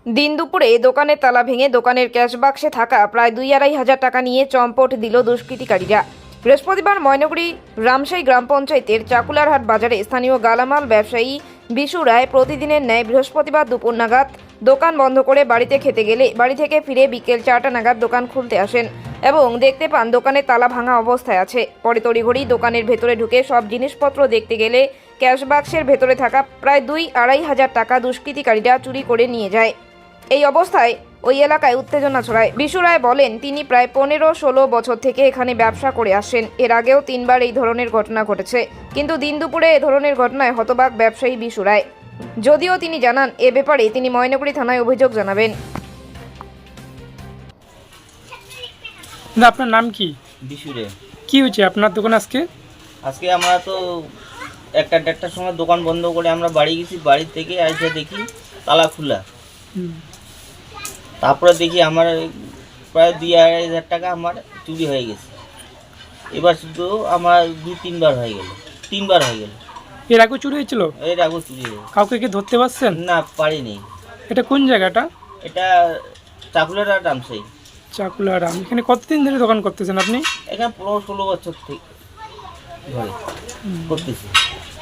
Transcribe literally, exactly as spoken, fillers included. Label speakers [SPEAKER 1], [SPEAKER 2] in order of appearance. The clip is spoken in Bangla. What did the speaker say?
[SPEAKER 1] দিন দুপুরে দোকানের তালা ভেঙে দোকানের ক্যাশ বাক্সে থাকা প্রায় দুই আড়াই হাজার টাকা নিয়ে চম্পট দিল দুষ্কৃতিকারীরা। বৃহস্পতিবার ময়নগুড়ি রামশাই গ্রাম পঞ্চায়েতের চাকুলারহাট বাজারে স্থানীয় গালামাল ব্যবসায়ী বিশু রায় প্রতিদিনের ন্যায় বৃহস্পতিবার দুপুর নাগাদ দোকান বন্ধ করে বাড়িতে খেতে গেলে বাড়ি থেকে ফিরে বিকেল চারটা নাগাদ দোকান খুলতে আসেন এবং দেখতে পান দোকানের তালা ভাঙা অবস্থায় আছে। পরে তড়িঘড়ি দোকানের ভেতরে ঢুকে সব জিনিসপত্র দেখতে গেলে ক্যাশ বাক্সের ভেতরে থাকা প্রায় দুই আড়াই হাজার টাকা দুষ্কৃতিকারীরা চুরি করে নিয়ে যায়। এই অবস্থায় ওই এলাকায় উত্তেজনা ছড়ায়। বিশু রায় বলেন, তিনি প্রায় পনেরো ষোলো বছর থেকে এখানে ব্যবসা করে আসেন। এর আগেও তিনবার এই ধরনের ঘটনা ঘটেছে, কিন্তু দিন দুপুরে এ ধরনের ঘটনায় হতবাক ব্যবসায়ী বিশু রায়। যদিও তিনি জানান এ ব্যাপারে তিনি ময়নগুড়ি থানায় অভিযোগ জানাবেন।
[SPEAKER 2] না, আপনার নাম কি?
[SPEAKER 3] বিশুরে।
[SPEAKER 2] কি হয়েছে আপনার দোকান আজকে?
[SPEAKER 3] আজকে আমরা তো একটা দেড়টার সময় দোকান বন্ধ করে আমরা বাড়ি গেছি। বাড়ি থেকে এসে দেখি তালা খোলা। তারপরে দেখি আমার প্রায় দুই আড়াই হাজার টাকা আমার চুরি হয়ে গেছে। এবার শুধু আমার দুই তিনবার হয়ে গেল, তিনবার হয়ে গেল।
[SPEAKER 2] এর আগে চুরি হয়েছিল?
[SPEAKER 3] এর আগে চুরি হয়ে গেছে।
[SPEAKER 2] কাউকে কি ধরতে পারছেন?
[SPEAKER 3] না, পারিনি।
[SPEAKER 2] এটা কোন জায়গাটা?
[SPEAKER 3] এটা চাকুলারহাট রামশাই।
[SPEAKER 2] চাকুলারাম। এখানে কতদিন ধরে দোকান করতেছেন আপনি?
[SPEAKER 3] এখানে পনেরো ষোলো বছর থেকে ধরে করতেছি।